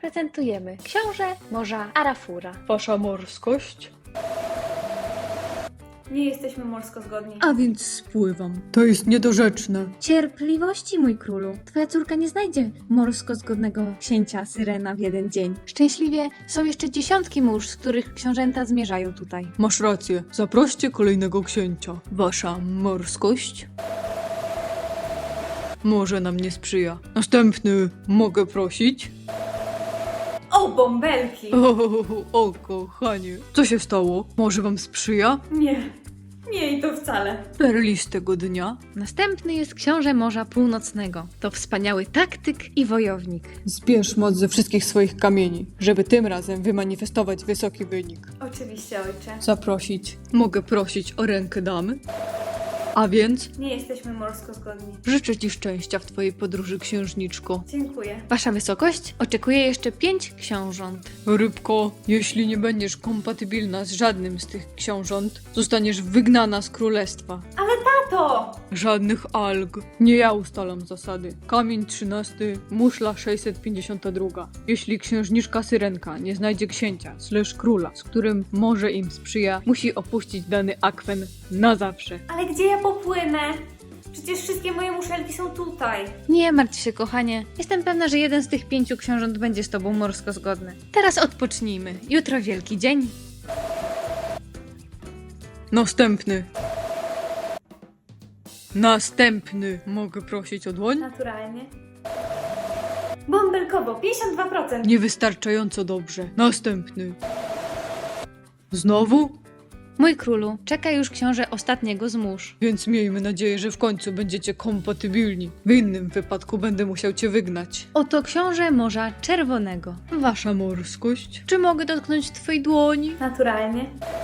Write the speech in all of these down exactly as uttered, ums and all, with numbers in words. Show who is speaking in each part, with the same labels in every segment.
Speaker 1: prezentujemy książę morza Arafura.
Speaker 2: Wasza morskość?
Speaker 3: Nie jesteśmy morsko zgodni.
Speaker 2: A więc spływam. To jest niedorzeczne.
Speaker 1: Cierpliwości, mój królu. Twoja córka nie znajdzie morsko zgodnego księcia Syrena w jeden dzień. Szczęśliwie są jeszcze dziesiątki mórz, z których książęta zmierzają tutaj.
Speaker 2: Masz rację. Zaproście kolejnego księcia. Wasza morskość? Może nam nie sprzyja. Następny. Mogę prosić?
Speaker 3: O, bąbelki!
Speaker 2: O, o, kochanie. Co się stało? Może wam sprzyja?
Speaker 3: Nie, nie i to wcale.
Speaker 2: Perlistego dnia.
Speaker 1: Następny jest książę Morza Północnego. To wspaniały taktyk i wojownik.
Speaker 2: Zbierz moc ze wszystkich swoich kamieni, żeby tym razem wymanifestować wysoki wynik.
Speaker 3: Oczywiście, ojcze.
Speaker 2: Zaprosić. Mogę prosić o rękę damy? A więc
Speaker 3: Nie jesteśmy morsko zgodni.
Speaker 2: życzę ci szczęścia w twojej podróży, księżniczko.
Speaker 3: Dziękuję.
Speaker 1: Wasza wysokość oczekuje jeszcze pięć książąt.
Speaker 2: Rybko, jeśli nie będziesz kompatybilna z żadnym z tych książąt, zostaniesz wygnana z królestwa.
Speaker 3: Ale tato!
Speaker 2: Żadnych alg. Nie ja ustalam zasady. Kamień trzynasty, muszla sześćset pięćdziesiąt dwa. Jeśli księżniczka Syrenka nie znajdzie księcia, slash króla, z którym może im sprzyja, musi opuścić dany akwen na zawsze.
Speaker 3: Ale gdzie ja popłynę? Przecież wszystkie moje muszelki są tutaj.
Speaker 1: Nie martw się, kochanie. Jestem pewna, że jeden z tych pięciu książąt będzie z tobą morsko zgodny. Teraz odpocznijmy. Jutro wielki dzień.
Speaker 2: Następny. Następny. Mogę prosić o dłoń?
Speaker 3: Naturalnie. Bąbelkowo, pięćdziesiąt dwa procent.
Speaker 2: Niewystarczająco dobrze. Następny. Znowu?
Speaker 1: Mój królu, czeka już książę ostatniego z mórz.
Speaker 2: Więc miejmy nadzieję, że w końcu będziecie kompatybilni. W innym wypadku będę musiał cię wygnać.
Speaker 1: Oto książę Morza Czerwonego.
Speaker 2: Wasza morskość?
Speaker 1: Czy mogę dotknąć twojej dłoni?
Speaker 3: Naturalnie.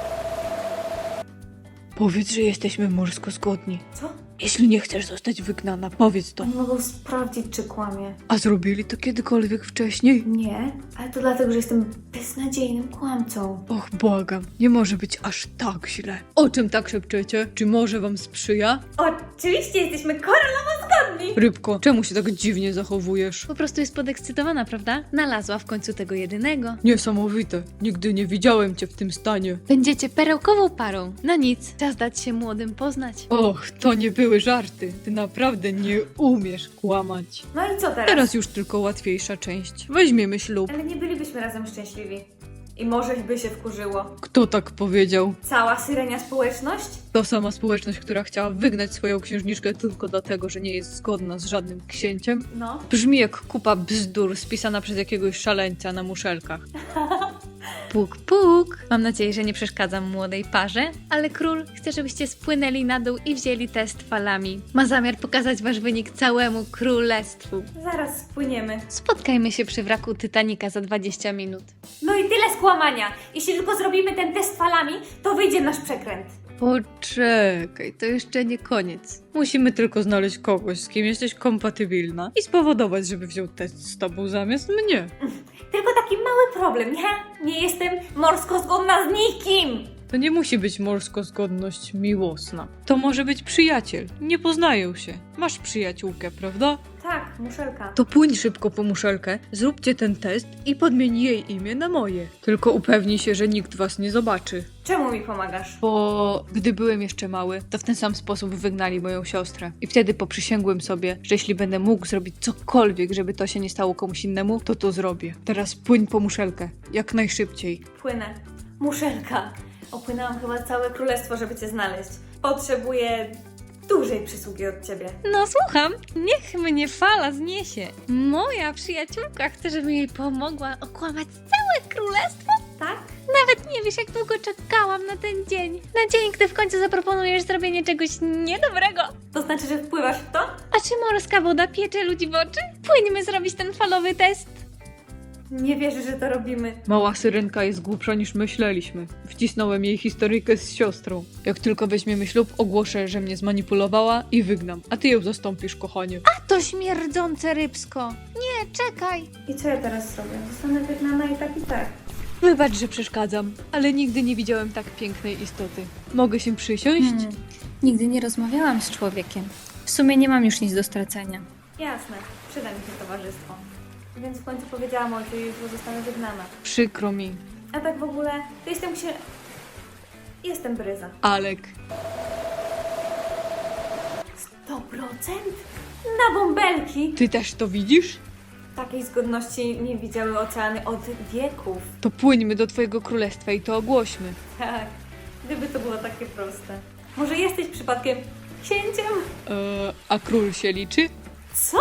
Speaker 2: Powiedz, że jesteśmy morsko zgodni.
Speaker 3: Co?
Speaker 2: Jeśli nie chcesz zostać wygnana, powiedz to.
Speaker 3: Oni mogą sprawdzić, czy kłamie.
Speaker 2: A zrobili to kiedykolwiek wcześniej?
Speaker 3: Nie, ale to dlatego, że jestem beznadziejnym kłamcą.
Speaker 2: Och, błagam, nie może być aż tak źle. O czym tak szepczecie? Czy może wam sprzyja?
Speaker 3: Oczywiście jesteśmy koronowo zgodni!
Speaker 2: Rybko, czemu się tak dziwnie zachowujesz?
Speaker 1: Po prostu jest podekscytowana, prawda? Znalazła w końcu tego jedynego.
Speaker 2: Niesamowite. Nigdy nie widziałem cię w tym stanie.
Speaker 1: Będziecie perełkową parą. No nic, czas dać się młodym poznać.
Speaker 2: Och, to nie były żarty. Ty naprawdę nie umiesz kłamać.
Speaker 3: No i co teraz?
Speaker 2: Teraz już tylko łatwiejsza część. Weźmiemy ślub.
Speaker 3: Ale nie bylibyśmy razem szczęśliwi. I może by się wkurzyło.
Speaker 2: Kto tak powiedział?
Speaker 3: Cała syrenia społeczność?
Speaker 2: To sama społeczność, która chciała wygnać swoją księżniczkę tylko dlatego, że nie jest zgodna z żadnym księciem.
Speaker 3: No.
Speaker 2: Brzmi jak kupa bzdur spisana przez jakiegoś szaleńca na muszelkach.
Speaker 1: Puk, puk. Mam nadzieję, że nie przeszkadzam młodej parze, ale król chce, żebyście spłynęli na dół i wzięli test falami. Ma zamiar pokazać wasz wynik całemu królestwu.
Speaker 3: Zaraz spłyniemy.
Speaker 1: Spotkajmy się przy wraku Titanica za dwadzieścia minut.
Speaker 3: No i tyle skłamania. Jeśli tylko zrobimy ten test falami, to wyjdzie nasz przekręt.
Speaker 2: Poczekaj, to jeszcze nie koniec. Musimy tylko znaleźć kogoś, z kim jesteś kompatybilna i spowodować, żeby wziął test z tobą zamiast mnie.
Speaker 3: Tylko taki mały problem, nie? Nie jestem morsko zgodna z nikim!
Speaker 2: To nie musi być morsko-zgodność miłosna. To może być przyjaciel. Nie poznają się. Masz przyjaciółkę, prawda?
Speaker 3: Tak, muszelka.
Speaker 2: To płyń szybko po muszelkę, zróbcie ten test i podmień jej imię na moje. Tylko upewnij się, że nikt was nie zobaczy.
Speaker 3: Czemu mi pomagasz?
Speaker 2: Bo gdy byłem jeszcze mały, to w ten sam sposób wygnali moją siostrę. I wtedy poprzysięgłem sobie, że jeśli będę mógł zrobić cokolwiek, żeby to się nie stało komuś innemu, to to zrobię. Teraz płyń po muszelkę, jak najszybciej.
Speaker 3: Płynę. Muszelka. Opłynęłam chyba całe królestwo, żeby cię znaleźć. Potrzebuję dużej przysługi od ciebie.
Speaker 1: No słucham, niech mnie fala zniesie. Moja przyjaciółka chce, żebym jej pomogła okłamać całe królestwo?
Speaker 3: Tak?
Speaker 1: Nawet nie wiesz, jak długo czekałam na ten dzień. Na dzień, gdy w końcu zaproponujesz zrobienie czegoś niedobrego.
Speaker 3: To znaczy, że wpływasz w to?
Speaker 1: A czy morska woda piecze ludzi w oczy? Płyńmy zrobić ten falowy test.
Speaker 3: Nie wierzę, że to robimy.
Speaker 2: Mała syrenka jest głupsza niż myśleliśmy. Wcisnąłem jej historyjkę z siostrą. Jak tylko weźmiemy ślub, ogłoszę, że mnie zmanipulowała i wygnam. A ty ją zastąpisz, kochanie.
Speaker 1: A to śmierdzące rybsko. Nie, czekaj.
Speaker 3: I co ja teraz zrobię? Zostanę wygnana i tak i tak.
Speaker 2: Wybacz, że przeszkadzam, ale nigdy nie widziałem tak pięknej istoty. Mogę się przysiąść?
Speaker 1: Hmm. Nigdy nie rozmawiałam z człowiekiem. W sumie nie mam już nic do stracenia.
Speaker 3: Jasne. Przyda mi się towarzystwo. więc w końcu powiedziałam ojcu i jutro zostanę wygnana.
Speaker 2: Przykro mi.
Speaker 3: A tak w ogóle, to jestem księ... Jestem Bryza.
Speaker 2: Alek.
Speaker 3: sto procent? Na bąbelki!
Speaker 2: Ty też to widzisz?
Speaker 3: Takiej zgodności nie widziały oceany od wieków.
Speaker 2: To płyńmy do twojego królestwa i to ogłośmy.
Speaker 3: Tak, gdyby to było takie proste. Może jesteś przypadkiem księciem?
Speaker 2: Eee, a król się liczy?
Speaker 3: Co?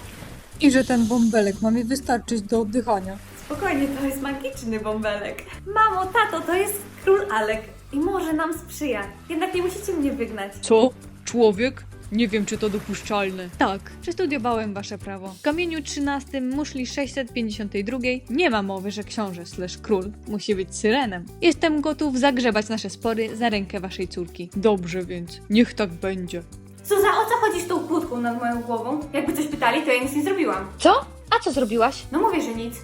Speaker 2: I że ten bąbelek ma mi wystarczyć do oddychania.
Speaker 3: Spokojnie, to jest magiczny bąbelek. Mamo, tato, to jest król Alek i może nam sprzyja. Jednak nie musicie mnie wygnać.
Speaker 2: Co? Człowiek? Nie wiem, czy to dopuszczalne. Tak, przestudiowałem wasze prawo. W kamieniu trzynastym muszli sześćset pięćdziesiątej drugiej nie ma mowy, że książę slash król musi być syrenem. Jestem gotów zagrzebać nasze spory za rękę waszej córki. Dobrze więc, niech tak będzie.
Speaker 3: Zuza, o co chodzi z tą kłódką nad moją głową? Jakby coś pytali, to ja nic nie zrobiłam.
Speaker 1: Co? A co zrobiłaś?
Speaker 3: No mówię, że nic.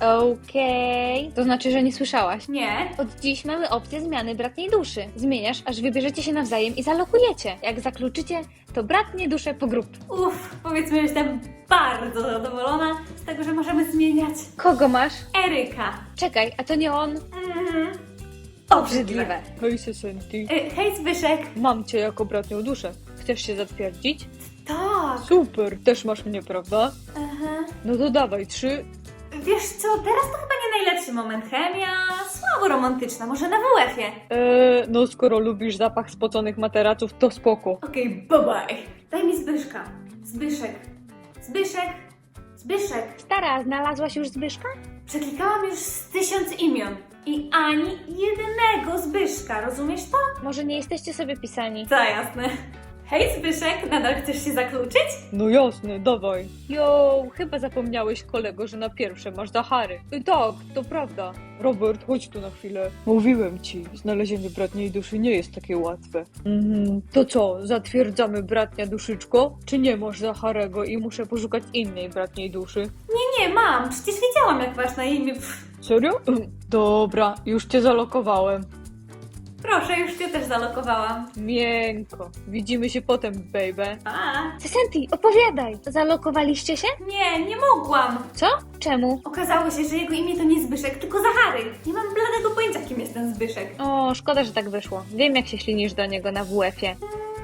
Speaker 1: Okej. To znaczy, że nie słyszałaś.
Speaker 3: Nie.
Speaker 1: Od dziś mamy opcję zmiany bratniej duszy. Zmieniasz, aż wybierzecie się nawzajem i zalokujecie. Jak zakluczycie, to bratnie dusze po grup.
Speaker 3: Uff, powiedzmy, że jestem bardzo zadowolona z tego, że możemy zmieniać.
Speaker 1: Kogo masz?
Speaker 3: Eryka.
Speaker 1: Czekaj, a to nie on?
Speaker 3: Mhm.
Speaker 1: Obrzydliwe.
Speaker 2: Hej, Sesenti.
Speaker 3: Y, hej, Zbyszek.
Speaker 2: Mam cię jako bratnią duszę. Chcesz się zatwierdzić?
Speaker 3: Tak.
Speaker 2: Super, też masz mnie, prawda?
Speaker 3: Aha.
Speaker 2: No to dawaj, trzy.
Speaker 3: Wiesz co, teraz to chyba nie najlepszy moment. Chemia, słabo romantyczna, może na W F-ie.
Speaker 2: Eee, no skoro lubisz zapach spoconych materaców, to spoko.
Speaker 3: Okej, bye bye. Daj mi Zbyszka. Zbyszek. Zbyszek. Zbyszek.
Speaker 1: Stara, znalazłaś już Zbyszka?
Speaker 3: Przeklikałam już z tysiąc imion. I ani jednego Zbyszka, rozumiesz to?
Speaker 1: Może nie jesteście sobie pisani?
Speaker 3: Za jasne. Hej Zbyszek, nadal chcesz się zakluczyć?
Speaker 2: No jasne, dawaj. Jo, chyba zapomniałeś, kolego, że na pierwsze masz Zachary. Y, tak, to prawda. Robert, chodź tu na chwilę. Mówiłem ci, znalezienie bratniej duszy nie jest takie łatwe. Mhm. To co, zatwierdzamy bratnia duszyczko? Czy nie masz Zacharego i muszę poszukać innej bratniej duszy?
Speaker 3: Nie, nie, mam. Przecież wiedziałam, jak masz na imię. Pff,
Speaker 2: Serio? Dobra, już cię zalokowałem.
Speaker 3: proszę, już cię też zalokowałam.
Speaker 2: Miękko. Widzimy się potem, baby.
Speaker 3: A,
Speaker 1: Sesenti, opowiadaj! Zalokowaliście się?
Speaker 3: nie, nie mogłam.
Speaker 1: Co? Czemu?
Speaker 3: Okazało się, że jego imię to nie Zbyszek, tylko Zachary. Nie mam bladego pojęcia, kim jest ten Zbyszek.
Speaker 1: O, szkoda, że tak wyszło. Wiem, jak się ślinisz do niego na W F-ie.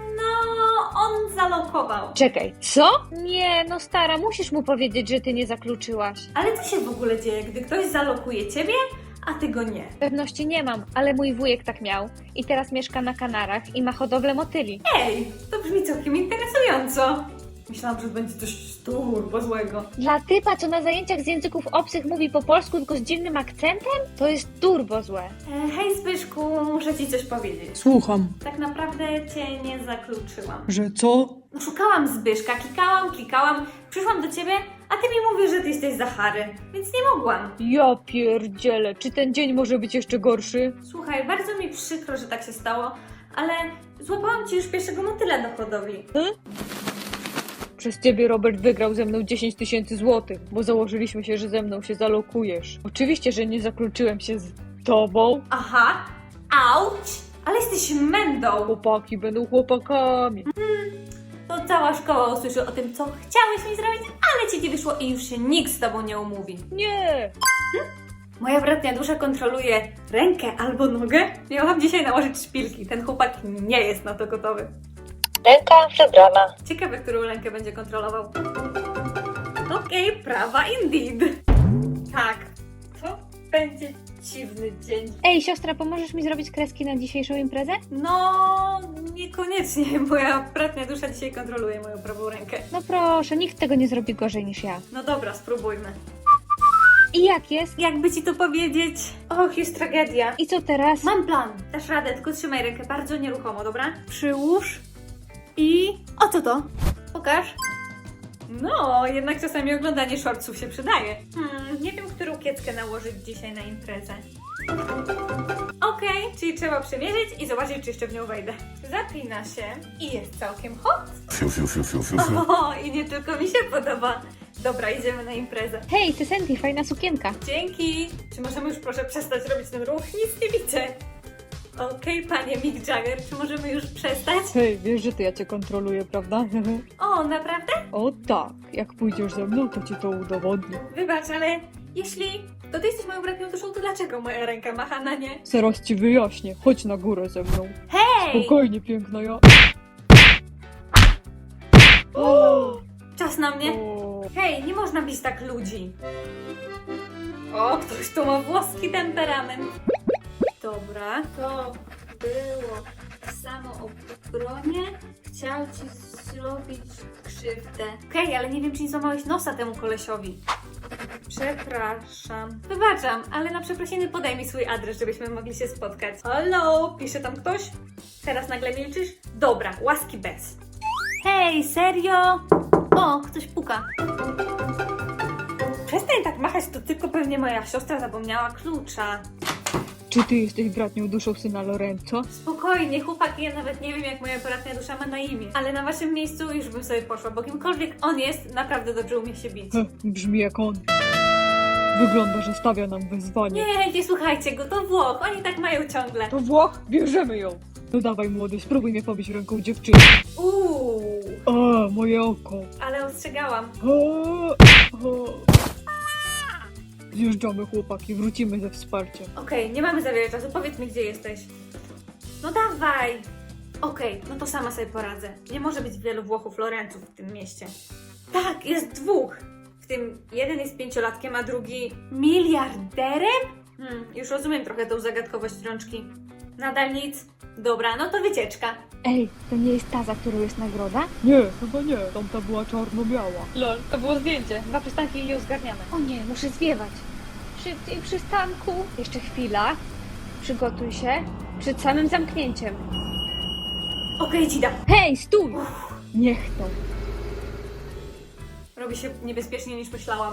Speaker 3: No, on zalokował.
Speaker 1: Czekaj, co? Nie, no stara, musisz mu powiedzieć, że ty nie zakluczyłaś.
Speaker 3: Ale co się w ogóle dzieje, gdy ktoś zalokuje ciebie, a ty go nie?
Speaker 1: Pewności nie mam, ale mój wujek tak miał. I teraz mieszka na Kanarach i ma hodowlę motyli.
Speaker 3: Ej, to brzmi całkiem interesująco. Myślałam, że będzie coś turbo złego.
Speaker 1: Dla typa, co na zajęciach z języków obcych mówi po polsku, tylko z dziwnym akcentem? To jest turbo złe.
Speaker 3: E, hej Zbyszku, muszę ci coś powiedzieć.
Speaker 2: Słucham.
Speaker 3: Tak naprawdę cię nie zakluczyłam.
Speaker 2: Że co?
Speaker 3: No, szukałam Zbyszka, klikałam, klikałam, przyszłam do ciebie, a ty mi mówisz, że ty jesteś Zachary, więc nie mogłam.
Speaker 2: Ja pierdzielę, czy ten dzień może być jeszcze gorszy?
Speaker 3: Słuchaj, bardzo mi przykro, że tak się stało, ale złapałam ci już pierwszego motyla do hodowli.
Speaker 2: Przez ciebie Robert wygrał ze mną dziesięć tysięcy złotych, bo założyliśmy się, że ze mną się zalokujesz. Oczywiście, że nie zakluczyłem się z tobą.
Speaker 3: Aha, auć, ale jesteś mędą.
Speaker 2: Chłopaki będą chłopakami.
Speaker 3: To cała szkoła usłyszy o tym, co chciałeś mi zrobić, ale ci nie wyszło i już się nikt z tobą nie umówi.
Speaker 2: Nie!
Speaker 3: Moja bratnia dusza kontroluje rękę albo nogę. Miałam dzisiaj nałożyć szpilki. Ten chłopak nie jest na to gotowy.
Speaker 1: Ręka wybrana.
Speaker 3: Ciekawe, którą rękę będzie kontrolował. Okej, prawa indeed. Tak, to będzie dziwny dzień.
Speaker 1: Ej, siostra, pomożesz mi zrobić kreski na dzisiejszą imprezę?
Speaker 3: No, niekoniecznie. Moja bratnia dusza dzisiaj kontroluje moją prawą rękę.
Speaker 1: No proszę, nikt tego nie zrobi gorzej niż ja.
Speaker 3: No dobra, spróbujmy.
Speaker 1: I jak jest?
Speaker 3: Jakby ci to powiedzieć? Och, jest tragedia.
Speaker 1: I co teraz?
Speaker 3: Mam plan. Dasz radę, tylko trzymaj rękę bardzo nieruchomo, dobra? Przyłóż i... O co to? Pokaż. No, jednak czasami oglądanie shortsów się przydaje. Hmm, nie wiem, którą kieckę nałożyć dzisiaj na imprezę. Okej, czyli trzeba przymierzyć i zobaczyć, czy jeszcze w nią wejdę. Zapina się i jest całkiem hot.
Speaker 4: Fiu, fiu, fiu, fiu, fiu, fiu.
Speaker 3: O, i nie tylko mi się podoba. Dobra, idziemy na imprezę.
Speaker 1: Hej, Sesenti, fajna sukienka.
Speaker 3: Dzięki. Czy możemy już proszę przestać robić ten ruch? Nic nie widzę. Okej, panie Mick Jagger, czy możemy już przestać?
Speaker 2: Hej, wiesz, że to ja cię kontroluję, prawda?
Speaker 3: O, naprawdę?
Speaker 2: O tak, jak pójdziesz ze mną, to ci to udowodnię.
Speaker 3: Wybacz, ale jeśli to ty jesteś moją bratnią duszą, to dlaczego moja ręka macha na nie?
Speaker 2: Zaraz ci wyjaśnię, chodź na górę ze mną.
Speaker 3: Hej!
Speaker 2: Spokojnie, piękna ja.
Speaker 3: Czas na mnie.
Speaker 2: O.
Speaker 3: Hej, nie można bić tak ludzi. O, ktoś tu ma włoski temperament. Dobra, to było samo obronie. Chciał ci zrobić krzywdę. Okej, ale nie wiem, czy nie złamałeś nosa temu kolesiowi. Przepraszam. Wybaczam, ale na przeprosiny podaj mi swój adres, żebyśmy mogli się spotkać. Halo, pisze tam ktoś? Teraz nagle milczysz? Dobra, łaski bez. Hej, serio? O, ktoś puka. Przestań tak machać, to tylko pewnie moja siostra zapomniała klucza.
Speaker 2: Czy ty jesteś bratnią duszą syna Lorenzo?
Speaker 3: Spokojnie, chłopaki, ja nawet nie wiem, jak moja bratnia dusza ma na imię. Ale na waszym miejscu już bym sobie poszła, bo kimkolwiek on jest, naprawdę dobrze umie się bić.
Speaker 2: Heh, brzmi jak on. Wygląda, że stawia nam wyzwanie.
Speaker 3: Nie, nie słuchajcie go, to Włoch, oni tak mają ciągle.
Speaker 2: To Włoch, bierzemy ją. No dawaj młody, spróbuj mnie pobić ręką dziewczyny.
Speaker 3: Uuu,
Speaker 2: A, moje oko.
Speaker 3: ale ostrzegałam.
Speaker 2: O, o. Zjeżdżamy chłopaki, wrócimy ze wsparciem.
Speaker 3: Okej, nie mamy za wiele czasu, powiedz mi, gdzie jesteś. No dawaj! Okej, no to sama sobie poradzę. Nie może być wielu Włochów Lorenców w tym mieście. Tak, jest dwóch! W tym jeden jest pięciolatkiem, a drugi miliarderem? Hmm, już rozumiem trochę tą zagadkowość rączki. Nadal nic? Dobra, no to wycieczka.
Speaker 4: Ej, to nie jest ta, za którą jest nagroda?
Speaker 2: Nie, chyba nie, tamta była czarno-biała.
Speaker 3: Lol, to było zdjęcie. Dwa przystanki i je zgarniamy.
Speaker 4: O nie, muszę zwiewać. Szybciej przystanku. Jeszcze chwila. Przygotuj się. Przed samym zamknięciem.
Speaker 3: Okej, Dzida.
Speaker 4: Hej, stój! Niech to.
Speaker 3: Robi się niebezpieczniej niż myślałam.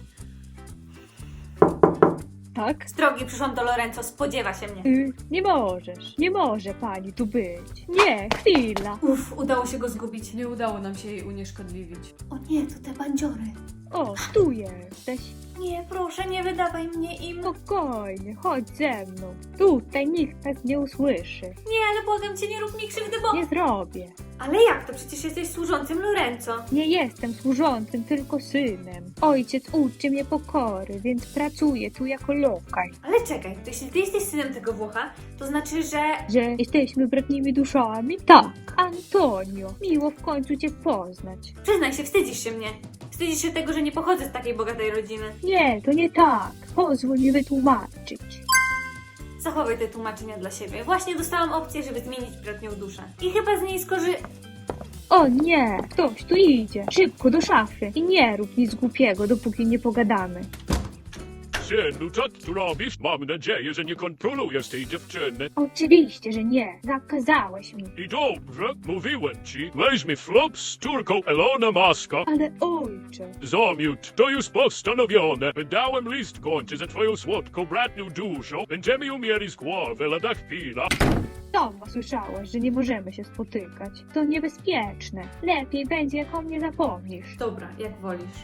Speaker 2: Tak?
Speaker 3: Z drogi przyszłam do Lorenzo, spodziewa się mnie.
Speaker 4: Y, nie możesz. Nie może pani tu być. Nie, chwila.
Speaker 3: Uff, udało się go zgubić.
Speaker 2: Nie udało nam się jej unieszkodliwić.
Speaker 3: O nie, to te bandziory.
Speaker 4: O, tu jesteś.
Speaker 3: Nie, proszę, nie wydawaj mnie im.
Speaker 4: Spokojnie, chodź ze mną. Tutaj nikt nas nie usłyszy.
Speaker 3: Nie, ale błagam cię, nie rób mi krzywdy, bo...
Speaker 4: Nie zrobię.
Speaker 3: Ale jak to? Przecież jesteś służącym Lorenzo.
Speaker 4: Nie jestem służącym, tylko synem. Ojciec uczy mnie pokory, więc pracuję tu jako lokaj.
Speaker 3: Ale czekaj, to jeśli ty jesteś synem tego Włocha, to znaczy, że...
Speaker 4: Że jesteśmy bratnimi duszami? Tak. Antonio, miło w końcu cię poznać.
Speaker 3: Przyznaj się, wstydzisz się mnie. Wstydzisz się tego, że nie pochodzę z takiej bogatej rodziny.
Speaker 4: Nie, to nie tak. Pozwól mi wytłumaczyć.
Speaker 3: Zachowaj te tłumaczenia dla siebie. Właśnie dostałam opcję, żeby zmienić bratnią duszę. I chyba z niej skorzy...
Speaker 4: O nie, ktoś tu idzie. Szybko do szafy. I nie rób nic głupiego, dopóki nie pogadamy.
Speaker 5: Synu, co ty tu robisz? Mam nadzieję, że nie kontrolujesz tej dziewczyny.
Speaker 4: Oczywiście, że nie. Zakazałeś mi.
Speaker 5: I dobrze, mówiłem ci, weźmy flop z córką Elona Muska.
Speaker 4: Ale ojcze.
Speaker 5: Zamiut, to już postanowione. Wydałem list kończy za twoją słodką bratnią duszą. Będziemy ją mieli z głowy lada chwila.
Speaker 4: Sama słyszałaś, że nie możemy się spotykać. To niebezpieczne. Lepiej będzie, jak o mnie zapomnisz.
Speaker 3: Dobra, jak wolisz.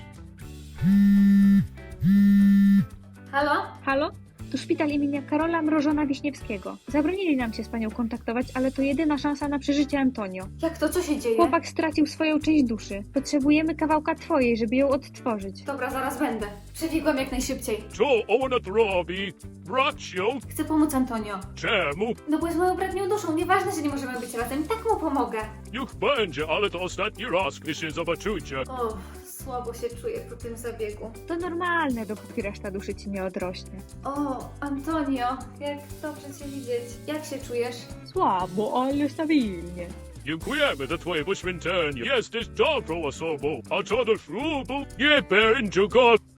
Speaker 3: Halo?
Speaker 4: Halo? To szpital imienia Karola Mrożona Wiśniewskiego. Zabronili nam się z panią kontaktować, ale to jedyna szansa na przeżycie Antonio.
Speaker 3: Jak to? Co się dzieje?
Speaker 4: Chłopak stracił swoją część duszy. Potrzebujemy kawałka twojej, żeby ją odtworzyć.
Speaker 3: Dobra, zaraz będę. Przebiegłam jak najszybciej.
Speaker 5: Co ona tu robi? Bracio,
Speaker 3: Chcę pomóc Antonio.
Speaker 5: czemu?
Speaker 3: No bo jest moją bratnią duszą. Nieważne, że nie możemy być razem. Tak mu pomogę.
Speaker 5: Niech będzie, ale to ostatni raz, gdy się zobaczycie.
Speaker 3: O, słabo się czuję po tym zabiegu.
Speaker 4: To normalne, dopóki reszta duszy ci nie odrośnie.
Speaker 3: O, Antonio, jak dobrze cię widzieć. Jak się czujesz?
Speaker 2: Słabo, ale stabilnie.
Speaker 5: Dziękujemy za twoje poświęcenie. Jesteś dobrą osobą. A co do ślubu, nie będzie go.